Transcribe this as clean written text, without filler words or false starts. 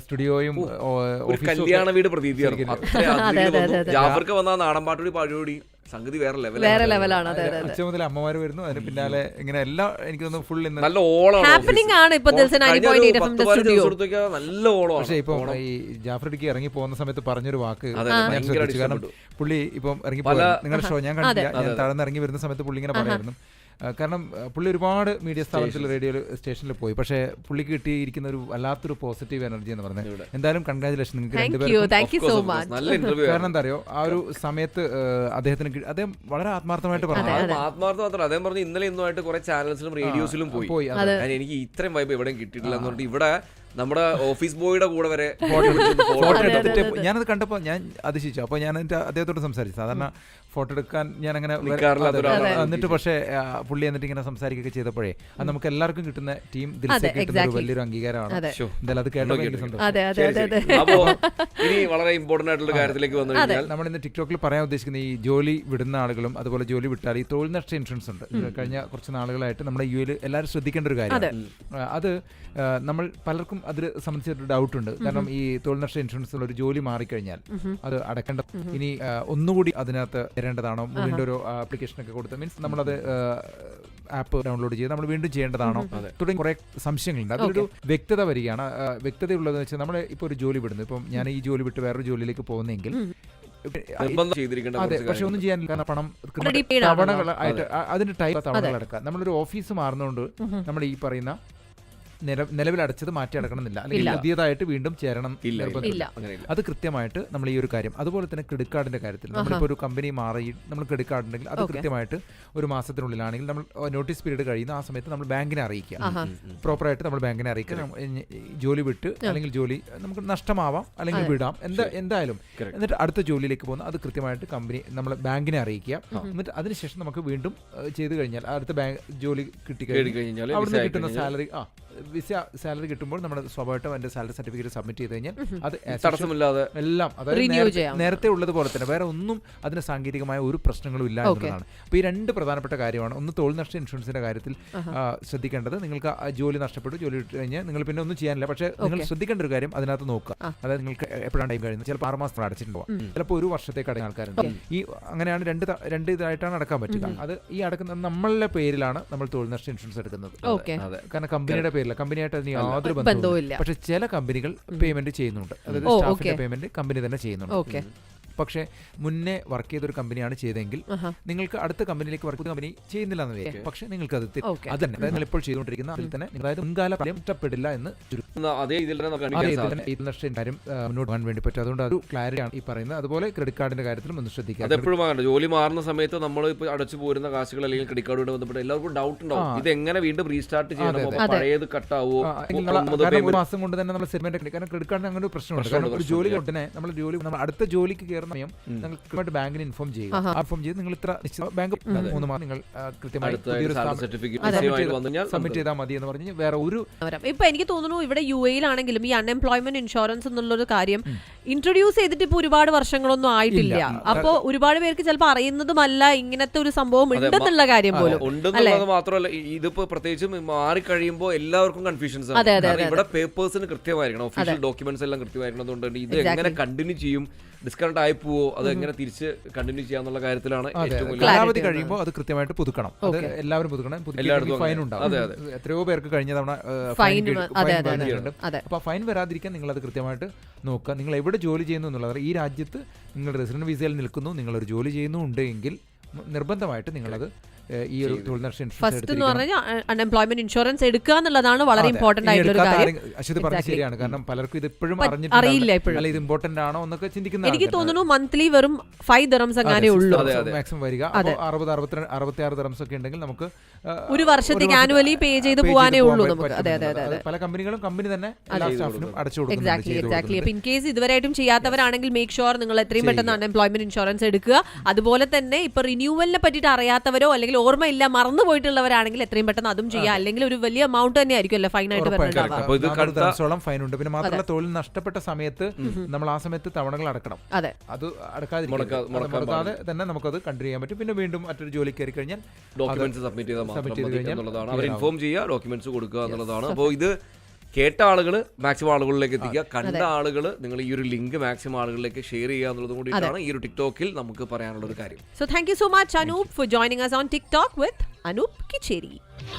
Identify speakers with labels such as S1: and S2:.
S1: സ്റ്റുഡിയോയും
S2: കല്യാണ വീട് പ്രതീതിയായിരുന്നു. ജാഫർക്ക് വന്ന നാടൻ പാട്ടുകൂടി പാടുകൂടി സംഗതി വേറെ
S3: ലെവലാണ്.
S1: അച്ഛൻ മുതൽ അമ്മമാര് വരുന്നു, അതിന് പിന്നാലെ ഇങ്ങനെ എല്ലാം എനിക്ക് തോന്നുന്നു ഫുൾ
S2: നല്ല ഓളമാണ്.
S3: നല്ല
S2: ഓളം.
S1: പക്ഷേ ഇപ്പൊ ഈ ജാഫ്രിഡിക്ക് ഇറങ്ങി പോകുന്ന സമയത്ത് പറഞ്ഞൊരു വാക്ക് ഞാൻ ശ്രദ്ധിച്ചു. കാരണം പുള്ളി ഇപ്പം ഇറങ്ങി പോയി, നിങ്ങളുടെ ഷോ ഞാൻ കണ്ടില്ല, ഞാൻ താഴ്ന്ന് ഇറങ്ങി വരുന്ന സമയത്ത് പുള്ളി ഇങ്ങനെ പറയായിരുന്നു. കാരണം പുള്ളി ഒരുപാട് മീഡിയ സ്ഥാപനത്തിൽ റേഡിയോ സ്റ്റേഷനിൽ പോയി, പക്ഷേ പുള്ളിക്ക് കിട്ടിയിരിക്കുന്ന ഒരു വല്ലാത്തൊരു പോസിറ്റീവ് എനർജി എന്ന് പറഞ്ഞത്. എന്തായാലും കൺഗ്രാജുലേഷൻ നിങ്ങൾക്ക് രണ്ടുപേർക്കും. കാരണം എന്താ അറിയോ, ആ ഒരു സമയത്ത് അദ്ദേഹം വളരെ ആത്മാർത്ഥമായിട്ട് പറഞ്ഞു.
S2: ആത്മാർത്ഥം മാത്രം അദ്ദേഹം പറഞ്ഞു ഇന്നലെ ഇന്നുമായിട്ട് കുറെ ചാനൽസിലും റേഡിയോസിലും പോയി. എനിക്ക് ഇത്രയും വൈബ് എവിടെയും കിട്ടിയിട്ടില്ല എന്ന് പറഞ്ഞിട്ട് ഇവിടെ നമ്മുടെ ഓഫീസ് ബോയുടെ കൂടെ വരെ
S1: ഫോട്ടോ എടുത്തിട്ട് ഞാനത് കണ്ടപ്പോൾ ഞാൻ അതിശിച്ചു. അപ്പോൾ ഞാൻ അദ്ദേഹത്തോട് സംസാരിച്ചു. സാധാരണ ഫോട്ടോ എടുക്കാൻ ഞാൻ അങ്ങനെ എന്നിട്ട് പക്ഷേ പുള്ളി എന്നിട്ട് ഇങ്ങനെ സംസാരിക്കുകയൊക്കെ ചെയ്തപ്പോഴേ അത് നമുക്ക് എല്ലാവർക്കും കിട്ടുന്ന ടീം ദിൽസയ്ക്ക് കിട്ടുന്ന ഒരു വലിയൊരു അംഗീകാരമാണ്. എന്തായാലും അത് കേട്ടപ്പോൾ എനിക്ക് സന്തോഷം.
S2: അപ്പോൾ ഇനി വളരെ ഇമ്പോർട്ടന്റ് ആയിട്ടുള്ള കാര്യത്തിലേക്ക് വന്നു കഴിഞ്ഞാൽ
S1: നമ്മൾ ഇന്ന് ടിക്ടോക്കിൽ പറയാൻ ഉദ്ദേശിക്കുന്ന ഈ ജോലി വിടുന്ന ആളുകളും അതുപോലെ ജോലി വിട്ടാൽ ഈ തൊഴിൽ നഷ്ട ഇൻഷുറൻസ് ഉണ്ട്. കഴിഞ്ഞ കുറച്ച് നാളുകളായിട്ട് നമ്മുടെ യുഎയിൽ എല്ലാവരും ശ്രദ്ധിക്കേണ്ട ഒരു കാര്യമാണ്. അത് നമ്മൾ പലർക്കും അതിൽ സംബന്ധിച്ചൊരു ഡൗട്ട് ഉണ്ട്. കാരണം ഈ തൊഴിൽ നഷ്ട ഇൻഷുറൻസിൽ ഒരു ജോലി മാറിക്കഴിഞ്ഞാൽ അത് അടക്കേണ്ട, ഇനി ഒന്നുകൂടി അതിനകത്ത് തരേണ്ടതാണോ, വീണ്ടും ഒരു ആപ്ലിക്കേഷനൊക്കെ കൊടുത്ത് മീൻസ് നമ്മളത് ആപ്പ് ഡൗൺലോഡ് ചെയ്ത് നമ്മൾ വീണ്ടും ചെയ്യേണ്ടതാണോ തുടങ്ങി കുറെ സംശയങ്ങളുണ്ട്. അതൊരു വ്യക്തത വരികയാണ്. വ്യക്തതയുള്ളതെന്ന് വെച്ചാൽ നമ്മൾ ഇപ്പോൾ ഒരു ജോലി വിടുന്നു, ഇപ്പം ഞാൻ ഈ ജോലി വിട്ട് വേറൊരു ജോലിയിലേക്ക് പോകുന്നെങ്കിൽ അതെ, പക്ഷെ ഒന്നും ചെയ്യാനില്ല. കാരണം പണം തവണകളായിട്ട് അതിന്റെ ടൈപ്പ് തവണകൾ അടക്കാം. നമ്മളൊരു ഓഫീസ് മാറുന്നതുകൊണ്ട് നമ്മൾ ഈ പറയുന്ന നിലവിൽ അടച്ചത് മാറ്റി അടക്കണമെന്നില്ല, അല്ലെങ്കിൽ പുതിയതായിട്ട് വീണ്ടും ചേരണം ഇല്ല. അത് കൃത്യമായിട്ട് നമ്മൾ ഈ ഒരു കാര്യം. അതുപോലെ തന്നെ ക്രെഡിറ്റ് കാർഡിന്റെ കാര്യത്തിൽ നമ്മളിപ്പോൾ ഒരു കമ്പനി മാറി നമ്മൾ ക്രെഡിറ്റ് കാർഡ് ഉണ്ടെങ്കിൽ അത് കൃത്യമായിട്ട് ഒരു മാസത്തിനുള്ളിലാണെങ്കിൽ നമ്മൾ നോട്ടീസ് പീരീഡ് കഴിയുന്ന ആ സമയത്ത് നമ്മൾ ബാങ്കിനെ അറിയിക്കുക. പ്രോപ്പറായിട്ട് നമ്മൾ ബാങ്കിനെ അറിയിക്കുക. ജോലി വിട്ട് അല്ലെങ്കിൽ ജോലി നമുക്ക് നഷ്ടമാവാം അല്ലെങ്കിൽ വിടാം, എന്തായാലും എന്നിട്ട് അടുത്ത ജോലിയിലേക്ക് പോകുന്ന അത് കൃത്യമായിട്ട് കമ്പനി നമ്മൾ ബാങ്കിനെ അറിയിക്കുക. എന്നിട്ട് അതിനുശേഷം നമുക്ക് വീണ്ടും ചെയ്ത് കഴിഞ്ഞാൽ അടുത്ത ബാങ്ക് ജോലി കിട്ടിക്കഴിഞ്ഞാൽ അവിടെ കിട്ടുന്ന സാലറി സാലറി കിട്ടുമ്പോൾ നമ്മൾ സ്വാഭാവികമായിട്ടും അതിന്റെ സാലറി സർട്ടിഫിക്കറ്റ് സബ്മിറ്റ് ചെയ്ത് കഴിഞ്ഞാൽ അത് തടസ്സമില്ലാതെ എല്ലാം അതായത് നേരത്തെ ഉള്ളതുപോലെ തന്നെ വേറെ ഒന്നും അതിന് സാങ്കേതികമായ ഒരു പ്രശ്നങ്ങളും ഇല്ല എന്നുള്ളതാണ്. അപ്പോൾ ഈ രണ്ട് പ്രധാനപ്പെട്ട കാര്യമാണ്. ഒന്ന് തൊഴിൽ നഷ്ട ഇൻഷുറൻസിന്റെ കാര്യത്തിൽ ശ്രദ്ധിക്കേണ്ടത്, നിങ്ങൾക്ക് ജോലി നഷ്ടപ്പെട്ടു, ജോലി ഇട്ട് കഴിഞ്ഞാൽ നിങ്ങൾ പിന്നെ ഒന്നും ചെയ്യാനില്ല. പക്ഷേ നിങ്ങൾ ശ്രദ്ധിക്കേണ്ട ഒരു കാര്യം അതിനകത്ത് നോക്കുക. അതായത് നിങ്ങൾക്ക് എപ്പോഴാണ് ടൈം കഴിയുന്നത്, ചിലപ്പോൾ 6 മാസം അടച്ചിട്ടുണ്ടാവും, ചിലപ്പോൾ ഒരു വർഷത്തേക്ക് അടങ്ങുന്ന ആൾക്കാരുണ്ട്. ഈ അങ്ങനെയാണ് രണ്ട് ഇതായിട്ടാണ് അടക്കാൻ പറ്റുക. അത് ഈ അടക്കുന്ന നമ്മളുടെ പേരിലാണ് നമ്മൾ തൊഴിൽ നഷ്ട ഇൻഷുറൻസ് എടുക്കുന്നത്. കാരണം കമ്പനിയുടെ പേരിൽ, കമ്പനിയായിട്ട് അതിന് യാതൊരു ബന്ധവുമില്ല. പക്ഷെ ചില കമ്പനികൾ പേയ്മെന്റ് ചെയ്യുന്നുണ്ട്, അതായത് സ്റ്റാഫിന്റെ പേയ്മെന്റ് കമ്പനി തന്നെ ചെയ്യുന്നുണ്ട്. പക്ഷേ മുന്നേ വർക്ക് ചെയ്തൊരു കമ്പനിയാണ് ചെയ്തെങ്കിൽ നിങ്ങൾക്ക് അടുത്ത കമ്പനിയിലേക്ക് വർക്ക് ചെയ്ത കമ്പനി ചെയ്യുന്നില്ല എന്ന് വിചാരിക്കും. പക്ഷേ നിങ്ങൾക്ക് അത് അതന്നെ നിങ്ങൾ ഇപ്പോൾ ചെയ്തുകൊണ്ടിരിക്കുന്ന അതിൽ തന്നെ അതായത് മുൻകാല ഫലം ഇഷ്ടപ്പെടില്ല എന്ന് കാര്യം മുന്നോട്ട് പോകാൻ വേണ്ടി പറ്റും. അതുകൊണ്ട് ഒരു ക്ലാരിറ്റി ആണ് ഈ പറയുന്നത്. അതുപോലെ ക്രെഡിറ്റ് കാർഡിന്റെ കാര്യത്തിലും ഒന്ന് ശ്രദ്ധിക്കുക.
S2: അതെപ്പോഴും ജോലി മാറുന്ന സമയത്ത് നമ്മൾ ഇപ്പോൾ അടച്ചു പോരുന്ന കാശുകൾ അല്ലെങ്കിൽ ക്രെഡിറ്റ് കാർഡുമായി ബന്ധപ്പെട്ട് എല്ലാവർക്കും ഡൗട്ട് ഉണ്ടാവും, ഇത് എങ്ങനെ വീണ്ടും റീസ്റ്റാർട്ട് ചെയ്യണം, പഴയത് കട്ടാവോ.
S1: ഒരു മാസം കൊണ്ട് തന്നെ നമ്മൾ സെറ്റിൽമെന്റ്, കാരണം ക്രെഡിറ്റ് കാർഡിന് അങ്ങനെ ഒരു പ്രശ്നമുണ്ട്. കാരണം ഒരു ജോലി ഉടനെ നമ്മൾ അടുത്ത ജോലിക്ക് കയറുന്ന സമയം നിങ്ങൾ കൃത്യമായിട്ട് ബാങ്കിന് ഇൻഫോം ചെയ്യുക. ഇൻഫോം ചെയ്ത് നിങ്ങൾ ഇത്ര ബാങ്ക് 3 മാസം നിങ്ങൾ കൃത്യമായി സബ്മിറ്റ് ചെയ്താൽ മതി എന്ന് പറഞ്ഞ് വേറെ ഒരു.
S3: ഇപ്പൊ എനിക്ക് തോന്നുന്നു ഇവിടെ യുഎയിലാണെങ്കിലും ഈ അൺഎംപ്ലോയ്മെന്റ് ഇൻഷുറൻസ് എന്നുള്ളൊരു കാര്യം ഇൻട്രൊഡ്യൂസ് ചെയ്തിട്ട് ഇപ്പൊ ഒരുപാട് വർഷങ്ങളൊന്നും ആയിട്ടില്ല. അപ്പൊ ഒരുപാട് പേർക്ക് ചിലപ്പോൾ അറിയുന്നതുമല്ല ഇങ്ങനത്തെ ഒരു സംഭവം ഉണ്ടെന്നുള്ള കാര്യം പോലും.
S2: ഉണ്ടെന്നുള്ളത് മാത്രമല്ല, ഇതിപ്പോ പ്രത്യേകിച്ചും മാറിക്കഴിയുമ്പോൾ എല്ലാവർക്കും കൺഫ്യൂഷൻസ്. ഇവിടെ പേപ്പേഴ്സിന് കൃത്യമായിരിക്കണം, ഒഫീഷ്യൽ ഡോക്യുമെന്റ്സ് എല്ലാം കൃത്യമായിരിക്കണം. അതുകൊണ്ട് ഇത് എങ്ങനെ കണ്ടിന്യൂ ചെയ്യും, ഡിസ്കൗണ്ട് ആയി പോവോ, അത് എങ്ങനെ തിരിച്ച് കണ്ടിന്യൂ ചെയ്യാന്നുള്ള കാര്യത്തിലാണ് ഏറ്റവും വലിയ.
S1: കാലാവധി കഴിയുമ്പോൾ അത് കൃത്യമായിട്ട് പുതുക്കണം, അത് എല്ലാവരും പുതുക്കണം. ഫൈൻ ഉണ്ടാവും, എത്രയോ പേർക്ക് കഴിഞ്ഞ തവണ ഫൈൻ വന്നിട്ടുണ്ട്. അപ്പൊ ഫൈൻ വരാതിരിക്കാൻ നിങ്ങൾ അത് കൃത്യമായിട്ട് നോക്കുക. നിങ്ങൾ എവിടെ ജോലി ചെയ്യുന്നു എന്നുള്ളത്, ഈ രാജ്യത്ത് നിങ്ങൾ റെസിഡന്റ് വിസയിൽ നിൽക്കുന്നു, നിങ്ങളൊരു ജോലി ചെയ്യുന്നുണ്ടെങ്കിൽ നിർബന്ധമായിട്ട് നിങ്ങളത് ഈ ഒരു തൊഴിൽ നഷ്ട
S3: ഇൻഷുറൻസ് അൺഎംപ്ലോയ്മെന്റ് ഇൻഷുറൻസ് എടുക്കുക എന്നുള്ളതാണ് വളരെ ഇമ്പോർട്ടന്റ് ആയിട്ടുള്ള കാര്യം.
S1: അശ്വതി പറഞ്ഞത് ശരിയാണ്. കാരണം പലർക്കും ഇത് ഇപ്പോഴും
S3: അറിയില്ല. ഇപ്പോഴും
S1: ഇത് ഇമ്പോർട്ടന്റ് ആണോ എന്നൊക്കെ ചിന്തിക്കുന്നത്.
S3: എനിക്ക് തോന്നുന്നു മന്ത്ലി വെറും 5 dirhams അങ്ങനെ ഉള്ളൂ
S1: മാക്സിമം വരിക. 66 dirhams ഒക്കെ ഉണ്ടെങ്കിൽ നമുക്ക്
S3: ഒരു വർഷത്തേക്ക് ആനുവലി പേ ചെയ്ത് പോകാനേ ഉള്ളൂ നമുക്ക്. അതെ അതെ അതെ.
S1: പല കമ്പനികളും കമ്പനി തന്നെ എല്ലാ സ്റ്റാഫിനും അടച്ചു കൊടുക്കും.
S3: എക്സാക്ട്ലി. അപ്പൊ ഇൻ കേസ് ഇതുവരെയായിട്ടും ചെയ്യാത്തവരാണെങ്കിൽ മേക്ക് ഷുവർ നിങ്ങൾ എത്രയും പെട്ടെന്ന് അൺഎംപ്ലോയ്മെന്റ് ഇൻഷുറൻസ് എടുക്കുക. അതുപോലെ തന്നെ ഇപ്പൊ റിന്യൂവലിനെ പറ്റിയിട്ട് അറിയാത്തവരോ അല്ലെങ്കിൽ ഓർമ്മയില്ല മറന്നു പോയിട്ടുള്ളവരാണെങ്കിൽ എത്രയും പെട്ടെന്ന് അതും ചെയ്യാം. അല്ലെങ്കിൽ ഒരു വലിയ എമൗണ്ട് തന്നെ ആയിരിക്കും അല്ലെ ഫൈൻ ആയിട്ട്
S1: വരുന്നുണ്ടാവുക. ഫൈൻ ഉണ്ട്. പിന്നെ മാത്രമല്ല തൊഴിൽ നഷ്ടപ്പെട്ട സമയത്ത് നമ്മൾ ആ സമയത്ത് തവണകൾ അടക്കണം.
S3: അതെ,
S1: അത് അടക്കാതെ തന്നെ നമുക്കത് കണ്ടിന്യൂ ചെയ്യാൻ പറ്റും. പിന്നെ വീണ്ടും മറ്റൊരു ജോലി കയറി കഴിഞ്ഞാൽ
S2: ഡോക്യുമെന്റ്സ് സബ്മിറ്റ് ചെയ്ത് കഴിഞ്ഞാൽ അവർ ഇൻഫോം ചെയ്യുക, ഡോക്യുമെന്റ്സ് കൊടുക്കുക എന്നുള്ളതാണ്. അപ്പോൾ ഇത് കേട്ട ആളുകൾ മാക്സിമം ആളുകളിലേക്ക് എത്തിക്കുക, കണ്ട ആളുകൾ നിങ്ങൾ ഈ ഒരു ലിങ്ക് മാക്സിമം ആളുകളിലേക്ക് ഷെയർ ചെയ്യുക എന്നുള്ളത് കൂടിയിട്ടാണ് ഈ ഒരു ടിക്ടോക്കിൽ നമുക്ക് പറയാനുള്ള ഒരു കാര്യം.
S3: So thank you so much Anoop for joining us on TikTok with Anoop Kicheri.